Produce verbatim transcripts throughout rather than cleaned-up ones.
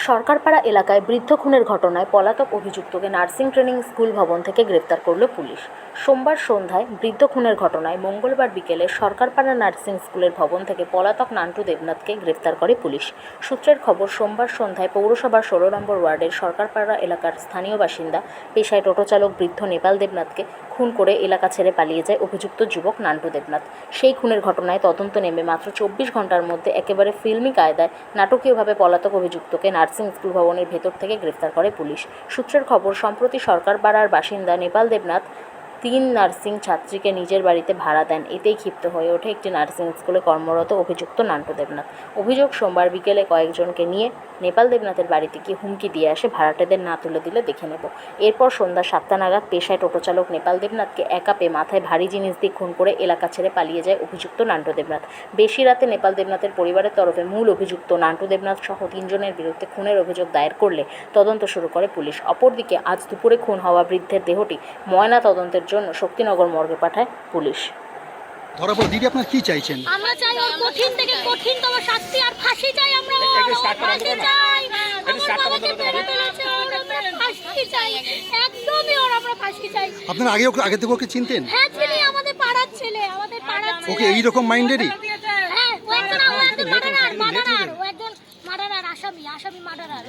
সরকারপাড়া এলাকায় বৃদ্ধ খুনের ঘটনায় পলাতক অভিযুক্তকে নার্সিং ট্রেনিং স্কুল ভবন থেকে গ্রেপ্তার করল পুলিশ। সোমবার সন্ধ্যায় বৃদ্ধ খুনের ঘটনায় মঙ্গলবার বিকেলে সরকারপাড়া নার্সিং স্কুলের ভবন থেকে পলাতক নান্টু দেবনাথকে গ্রেপ্তার করে পুলিশ। সূত্রের খবর, সোমবার সন্ধ্যায় পৌরসভার ষোলো নম্বর ওয়ার্ডের সরকারপাড়া এলাকার স্থানীয় বাসিন্দা পেশায় টোটো চালক বৃদ্ধ নেপাল দেবনাথকে খুন করে এলাকা ছেড়ে পালিয়ে যায় অভিযুক্ত যুবক নান্টু দেবনাথ। সেই খুনের ঘটনায় তদন্ত নেমে মাত্র চব্বিশ ঘন্টার মধ্যে একেবারে ফিল্মি কায়দায় নাটকীয়ভাবে পলাতক অভিযুক্তকে নার্সিং স্কুল ভবনের ভেতর থেকে গ্রেফতার করে পুলিশ। সূত্রের খবর, সম্প্রতি সরকারপাড়ার বাসিন্দা নেপাল দেবনাথ তিন নার্সিং ছাত্রীকে নিজের বাড়িতে ভাড়া দেন। এতেই ক্ষিপ্ত হয়ে ওঠে একটি নার্সিং স্কুলে কর্মরত অভিযুক্ত নান্টু দেবনাথ। অভিযোগ, সোমবার বিকেলে কয়েকজনকে নিয়ে নেপাল দেবনাথের বাড়িতে গিয়ে হুমকি দিয়ে আসে, ভাড়াটেদের না তুলে দিলে দেখে নেব। এরপর সন্ধ্যা সাতটা নাগাদ পেশায় টোটো চালক নেপাল দেবনাথকে একা পেয়ে মাথায় ভারী জিনিস দিয়ে খুন করে এলাকা ছেড়ে পালিয়ে যায় অভিযুক্ত নান্টু দেবনাথ। বেশি রাতে নেপাল দেবনাথের পরিবারের তরফে মূল অভিযুক্ত নান্টু দেবনাথ সহ তিনজনের বিরুদ্ধে খুনের অভিযোগ দায়ের করলে তদন্ত শুরু করে পুলিশ। অপরদিকে আজ দুপুরে খুন হওয়া বৃদ্ধের দেহটি ময়না তদন্তের জন্য শক্তিনগর মর্গে পাঠায় পুলিশ। ধরা পড়ে দিদি, আপনারা কি চাইছেন? আমরা চাই ওর কঠিন থেকে কঠিনতম শাস্তি আর ফাঁসি চাই। আমরা ফাঁসি চাই, আমার বাবাকে মেরে ফেলেছে, ওর আমরা ফাঁসি চাই, একদমই ওর আমরা ফাঁসি চাই। আপনারা আগে ওকে আগে থেকে ওকে চিনতেন? হ্যাঁ চিনি, আমাদের পাড়ার ছেলে, আমাদের পাড়ার ছেলে। ওকে এইরকম মাইন্ডেরই? হ্যাঁ, ও একজন ও একজন মার্ডারার, মার্ডারার, ও একজন মার্ডারার আসামি, আসামি মার্ডারার।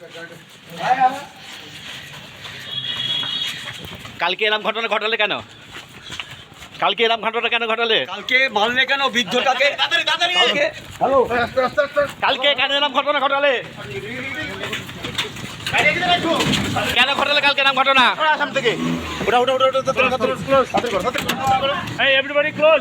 কালকে এরকম ঘটনা ঘটালে কেন? কালকে এরকম ঘটনা কেন ঘটালে? কালকে মারলে কেন বৃদ্ধটাকে? কালকে হ্যালো কালকে কেন এরকম ঘটনা ঘটালে? কেন ঘটালে কালকে এরকম ঘটনা? আসাম থেকে ওটা ওটা ওটা ওটা এই এভরিবডি ক্লোজ।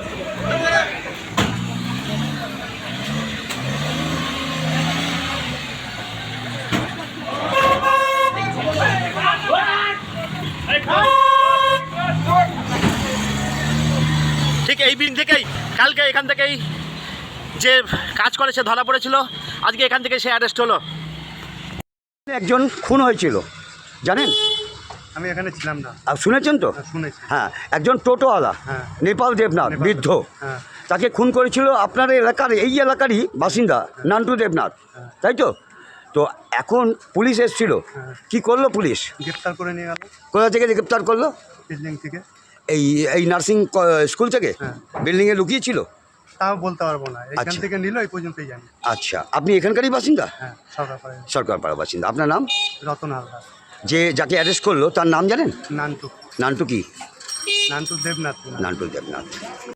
ঠিক এই বিন থেকেই কালকে এখান থেকেই যে কাজ করে সে ধরা পড়েছিল, আজকে এখান থেকে সে অ্যারেস্ট হলো। একজন খুন হয়েছিল, জানেন? আমি এখানে ছিলাম না। আর শুনেছেন তো? শুনেছি। হ্যাঁ, একজন টোটোওয়ালা হ্যাঁ। নেপাল দেবনাথ বৃদ্ধ, হ্যাঁ। তাকে খুন করেছিল আপনার এলাকার এই এলাকারই বাসিন্দা নান্টু দেবনাথ, তাই তো? তো এখন পুলিশ এসেছিল, কি করলো পুলিশ? গ্রেপ্তার করে নিয়ে গেল। কোথা থেকে গ্রেপ্তার করলো? বিল্ডিং থেকে। এই এই নার্সিং স্কুল থেকে? হ্যাঁ। বিল্ডিংয়ে লুকিয়েছিল? তাও বলতে পারবো না, এখান আচ্ছা। থেকে নিল এই পর্যন্তই জানি। আচ্ছা, আপনি এখানকারই বাসিন্দা? হ্যাঁ, সরকার সরকারপাড়া বাসিন্দা। আপনার নাম? রতন হালদার। যে যাকে অ্যারেস্ট করলো তার নাম জানেন? নান্টু নান্টু কি? নান্টু দেবনাথ। নান্টু দেবনাথ।